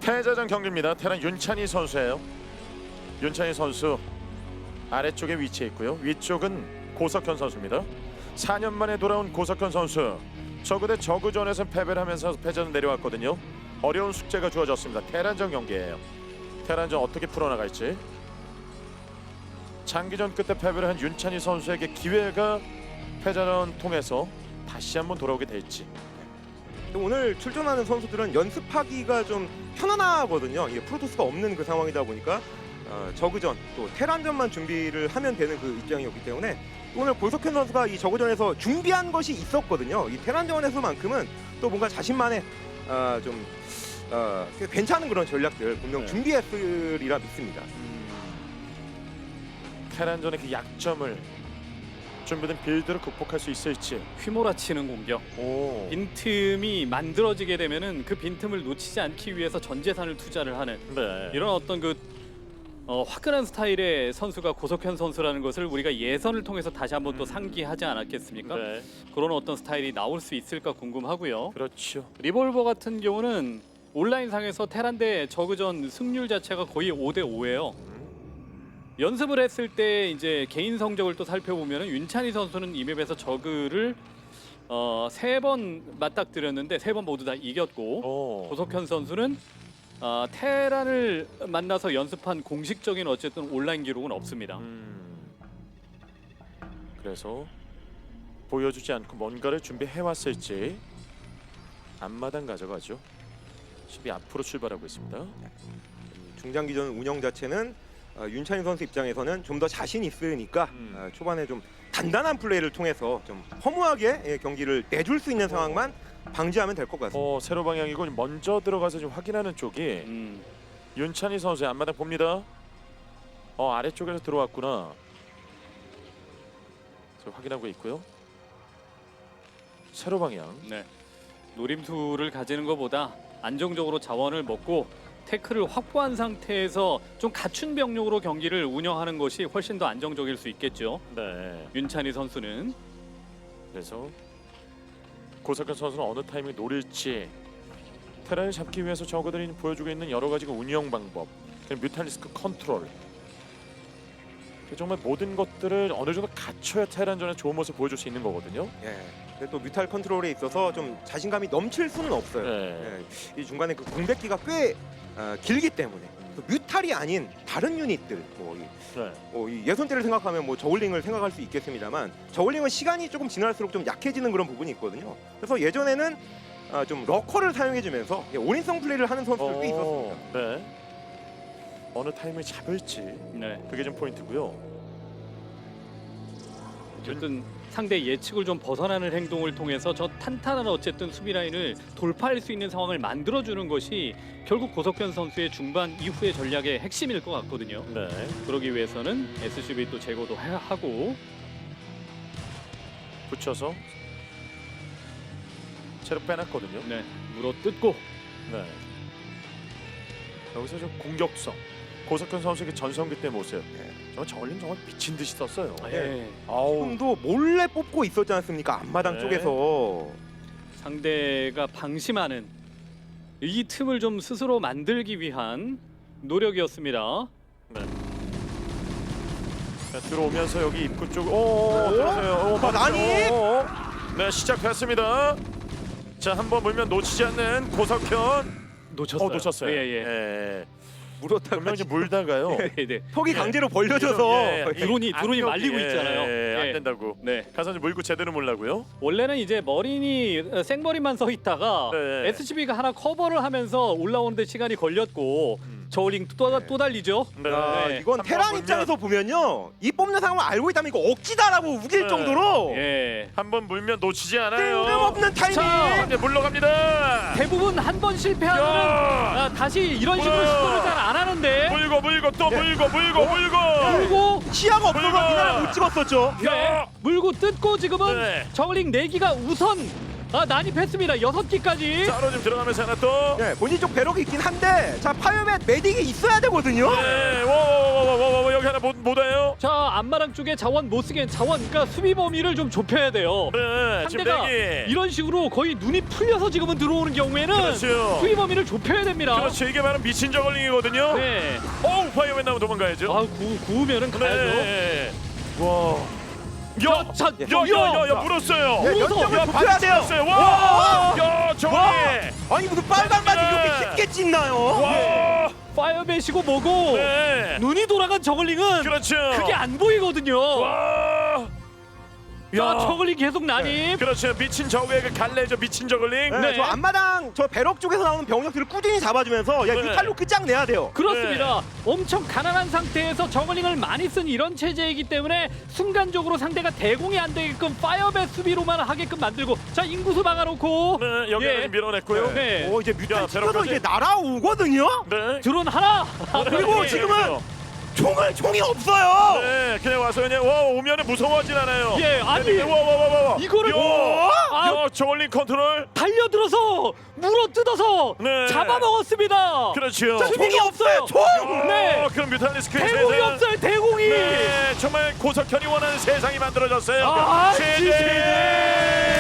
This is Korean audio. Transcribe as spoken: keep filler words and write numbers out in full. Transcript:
패자전 경기입니다. 테란 윤찬희 선수예요. 윤찬희 선수 아래쪽에 위치해 있고요. 위쪽은 고석현 선수입니다. 사 년 만에 돌아온 고석현 선수. 저그 대 저그전에서 패배를 하면서 패자전 내려왔거든요. 어려운 숙제가 주어졌습니다. 테란전 경기예요. 테란전 어떻게 풀어나갈지. 장기전 끝에 패배를 한 윤찬희 선수에게 기회가 패자전 통해서 다시 한번 돌아오게 될지. 오늘 출전하는 선수들은 연습하기가 좀 편안하거든요. 이게 프로토스가 없는 그 상황이다 보니까 어, 저그전 또 테란전만 준비를 하면 되는 그 입장이었기 때문에 오늘 고석현 선수가 이 저그전에서 준비한 것이 있었거든요. 이 테란전에서만큼은 또 뭔가 자신만의 어, 좀 어, 꽤 괜찮은 그런 전략들 분명 네. 준비했으리라 믿습니다. 테란전의 그 약점을 준비된 빌드로 극복할 수 있을지. 휘몰아치는 공격. 오. 빈틈이 만들어지게 되면은 그 빈틈을 놓치지 않기 위해서 전 재산을 투자를 하는 네. 이런 어떤 그 어, 화끈한 스타일의 선수가 고석현 선수라는 것을 우리가 예선을 통해서 다시 한번 또 상기하지 않았겠습니까? 네. 그런 어떤 스타일이 나올 수 있을까 궁금하고요. 그렇죠. 리볼버 같은 경우는 온라인상에서 테란 대 저그전 승률 자체가 거의 오 대 오예요. 연습을 했을 때 이제 개인 성적을 또 살펴보면 윤찬희 선수는 이 맵에서 저그를 어, 세 번 맞닥뜨렸는데 세 번 모두 다 이겼고 오. 고석현 선수는 어, 테란을 만나서 연습한 공식적인 어쨌든 온라인 기록은 없습니다. 음. 그래서 보여주지 않고 뭔가를 준비해 왔을지. 앞마당 가져가죠. 수비 앞으로 출발하고 있습니다. 중장기전 운영 자체는 어, 윤찬희 선수 입장에서는 좀 더 자신 있으니까 음. 어, 초반에 좀 단단한 플레이를 통해서 좀 허무하게 예, 경기를 내줄 수 있는 상황만 방지하면 될 것 같습니다. 어, 세로 방향이고 먼저 들어가서 좀 확인하는 쪽이 음, 윤찬희 선수의 앞마당 봅니다. 어, 아래쪽에서 들어왔구나. 저 확인하고 있고요. 세로 방향. 네. 노림수를 가지는 것보다 안정적으로 자원을 먹고 태클을 확보한 상태에서 좀 갖춘 병력으로 경기를 운영하는 것이 훨씬 더 안정적일 수 있겠죠. 네. 윤찬희 선수는 그래서 고석현 선수는 어느 타이밍 노릴지 테란을 잡기 위해서 저그들이 보여주고 있는 여러 가지 그 운영 방법, 그리고 뮤탈리스크 컨트롤, 정말 모든 것들을 어느 정도 갖춰야 테란전에 좋은 모습 보여줄 수 있는 거거든요. 예. 근데 또 뮤탈 컨트롤에 있어서 좀 자신감이 넘칠 수는 없어요. 네. 예. 이 중간에 그 공백기가 꽤 어, 길기 때문에 또 뮤탈이 아닌 다른 유닛들 뭐, 이, 네. 뭐 이 예선대를 생각하면 뭐 저울링을 생각할 수 있겠습니다만 저울링은 시간이 조금 지날수록 좀 약해지는 그런 부분이 있거든요. 그래서 예전에는 아, 좀 러커를 사용해주면서 예, 올인성 플레이를 하는 선수들도 꽤 있었습니다. 네. 어느 타이밍을 잡을지 네. 그게 좀 포인트고요. 어쨌든 상대 예측을 좀 벗어나는 행동을 통해서 저 탄탄한 어쨌든 수비 라인을 돌파할 수 있는 상황을 만들어주는 것이 결국 고석현 선수의 중반 이후의 전략의 핵심일 것 같거든요. 네. 그러기 위해서는 에스씨비 또 제거도 해- 하고 붙여서 채로 빼놨거든요. 네, 물어 뜯고 네. 여기서 좀 공격성. 고석현 선수의 그 전성기 때 모습. 네. 정말 저울림 정말 미친 듯이 썼어요. 예. 아우. 지금도 몰래 뽑고 있었지 않습니까? 앞마당 네. 쪽에서. 상대가 방심하는 이 틈을 좀 스스로 만들기 위한 노력이었습니다. 네. 자, 들어오면서 여기 입구 쪽. 오, 들어서요. 오, 맞았어요. 아니? 오, 오. 네, 시작됐습니다. 자, 한번 물면 놓치지 않는 고석현. 놓쳤어요. 어, 놓쳤어요. 예, 예. 예. 물었다가 분명 이제 물다가요. 예, 네. 턱이 예. 강제로 벌려져서 예, 예. 드론이- 드론이 악력이, 말리고 있잖아요. 예, 안 예. 된다고. 네. 가서 이제 물고 제대로 몰라고요. 원래는 이제 머린이 어, 생머리만 서 있다가 네. 에스씨비가 하나 커버를 하면서 올라오는데 시간이 걸렸고 음. 저울링 또, 또 달리죠. 네. 아, 네. 이건 한번 테란 물면- 입장에서 보면요, 이 뽑는 상황을 알고 있다면 이거 억지다라고 우길 네. 정도로 예. 한번 물면 놓치지 않아요. 뜬금없는 타이밍. 자, 이제 물러갑니다. 대부분 한 번 실패하면 야! 아, 다시 이런 식으로 우와! 시도를 잘 안 하는데 물고 물고 또 네. 물고 물고 물고. 물고 시야가 없어서 물고! 이날 못 찍었었죠. 네. 물고 뜯고 지금은 네. 저울링 네 기가 우선 아 난입했습니다. 여섯 기까지. 따로 좀 들어가면서 하나 또. 네, 본인 쪽 배럭이 있긴 한데 자 파이어맨 메딕이 있어야 되거든요. 네, 와와와와와 여기 하나 못 못 와요. 자 앞마당 쪽에 자원 못 쓰게 자원 그러니까 수비 범위를 좀 좁혀야 돼요. 네, 지금 상대가 대기. 이런 식으로 거의 눈이 풀려서 지금은 들어오는 경우에는 그렇죠. 수비 범위를 좁혀야 됩니다. 그렇죠. 이게 바로 미친 저글링이거든요. 네. 어우 파이어맨 나오면 도망가야죠. 아 구, 구우면은 가야죠. 네. 와. 야, 자, 야야야야 물었어요. 예, 물어서. 연정을 야, 좁혀야 돼요. 받았어요. 와, 야, 저글링. 와, 아니 무슨 빨간 바지 네. 이렇게 쉽게 찢나요? 와, 파이어배시고 뭐고 네. 눈이 돌아간 저글링은 그렇죠. 그게 안 보이거든요. 와. 자 저글링 계속 난입. 그렇죠. 미친 저그의 그 갈래죠. 미친 저글링. 네, 네. 저 앞마당 저 배럭 쪽에서 나오는 병력들을 꾸준히 잡아주면서 야 네. 뮤탈로 끝장내야 돼요. 그렇습니다. 네. 엄청 가난한 상태에서 저글링을 많이 쓴 이런 체제이기 때문에 순간적으로 상대가 대공이 안 되게끔 파이어배 수비로만 하게끔 만들고 자 인구수 막아놓고 네, 여기 예. 좀 밀어냈고요. 네. 오 이제 야, 뮤탈 찍어서 배럭까지. 이제 날아오거든요. 네. 드론 하나. 그리고 네, 지금은 그렇죠. 총을 총이 없어요. 네, 그냥 와서 그냥 와 오면은 무서워하진 않아요. 예, 아니, 네, 와, 와, 와, 와, 와. 이거를 야, 아. 야, 저글링 컨트롤. 달려들어서 물어 뜯어서 네. 잡아먹었습니다. 그렇죠. 자, 총이 없어요. 총. 네. 어, 그럼 뮤탈리스크 대공이 없어요. 대공이. 네, 정말 고석현이 원하는 세상이 만들어졌어요. 아, 제재.